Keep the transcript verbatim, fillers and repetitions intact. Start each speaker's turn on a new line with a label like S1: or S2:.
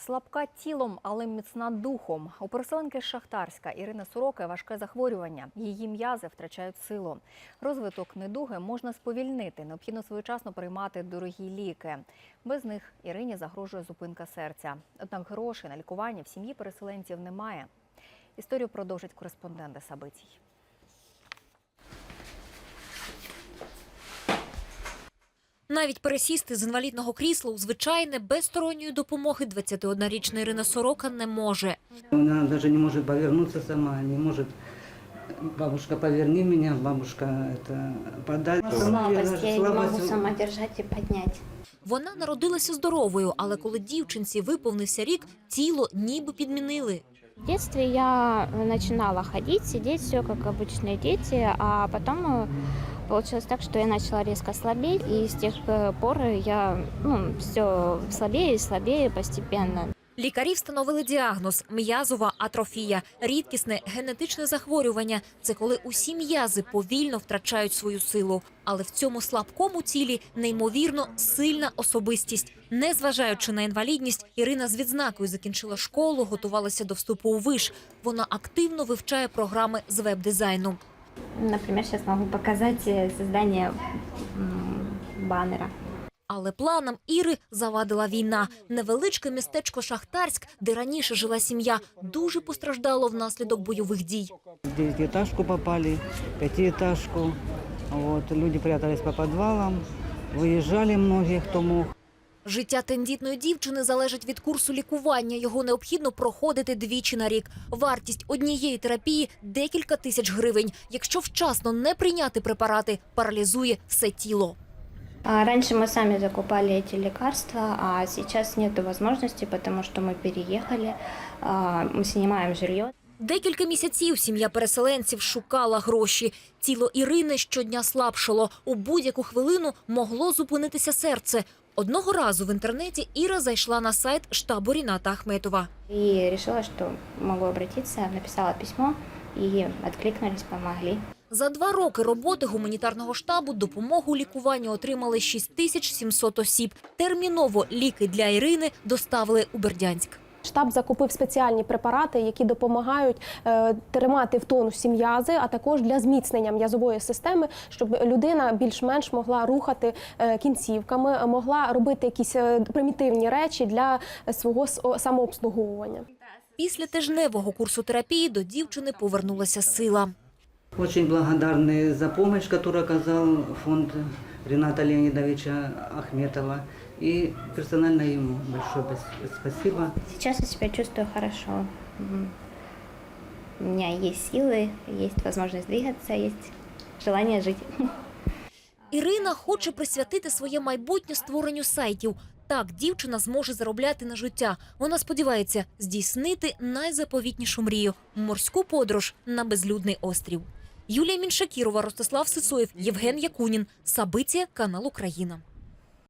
S1: Слабка тілом, але міцна духом. У переселенки з Шахтарська Ірини Сороки важке захворювання. Її м'язи втрачають силу. Розвиток недуги можна сповільнити. Необхідно своєчасно приймати дорогі ліки. Без них Ірині загрожує зупинка серця. Однак грошей на лікування в сім'ї переселенців немає. Історію продовжить кореспондент Сабицій.
S2: Навіть пересісти з інвалідного крісла у звичайне без сторонньої допомоги двадцятиоднорічна Ірина Сорока не може.
S3: Вона навіть не може повернутися сама, не може. Бабушка, поверни мене, бабушка, это, подай.
S4: Слабость, я не можу сама держати і підняти.
S2: Вона народилася здоровою, але коли дівчинці виповнився рік, тіло ніби підмінили.
S4: В детстве я начинала ходить, сидеть, все как обычные дети, а потом получилось так, что я начала резко слабеть, и с тех пор я ну, все слабее и слабее постепенно.
S2: Лікарі встановили діагноз – м'язова атрофія, рідкісне генетичне захворювання. Це коли усі м'язи повільно втрачають свою силу. Але в цьому слабкому тілі неймовірно сильна особистість. Незважаючи на інвалідність, Ірина з відзнакою закінчила школу, готувалася до вступу у виш. Вона активно вивчає програми з веб-дизайну.
S4: Наприклад, зараз можу показати створення банера.
S2: Але планам Іри завадила війна. Невеличке містечко Шахтарськ, де раніше жила сім'я, дуже постраждало внаслідок бойових дій.
S3: В девятиэтажку попали, пятиэтажку. Вот, люди прятались по підвалам, виїжджали многі, хто мог.
S2: Життя тендітної дівчини залежить від курсу лікування. Його необхідно проходити двічі на рік. Вартість однієї терапії – декілька тисяч гривень. Якщо вчасно не прийняти препарати, паралізує все тіло.
S4: Раньше мы сами закупали эти лекарства, а сейчас нет возможности, потому что мы переехали, мы снимаем жилье.
S2: Декілька місяців сім'я переселенців шукала гроші. Тіло Ірини щодня слабшало. У будь-яку хвилину могло зупинитися серце. Одного разу в інтернеті Іра зайшла на сайт штабу Ріната Ахметова.
S4: И решила, что могу обратиться, написала письмо, и откликнулись, помогли.
S2: За два роки роботи гуманітарного штабу допомогу у лікуванні отримали шість тисяч сімсот осіб. Терміново ліки для Ірини доставили у Бердянськ.
S5: Штаб закупив спеціальні препарати, які допомагають е, тримати в тонусі м'язи, а також для зміцнення м'язової системи, щоб людина більш-менш могла рухати е, кінцівками, могла робити якісь е, примітивні речі для свого самообслуговування.
S2: Після тижневого курсу терапії до дівчини повернулася сила.
S3: Очень благодарны за помощь, которую оказал фонд Рината Леонидовича Ахметова. И персонально ему большое спасибо.
S4: Сейчас я себя чувствую хорошо. У меня есть силы, есть возможность двигаться, есть желание жить.
S2: Ірина хоче присвятити своє майбутнє створенню сайтів. Так дівчина зможе заробляти на життя. Вона сподівається здійснити найзаповітнішу мрію – морську подорож на безлюдний острів. Юлія Міншакірова, Ростислав Сисоєв, Євген Якунін. Сабиція, канал Україна.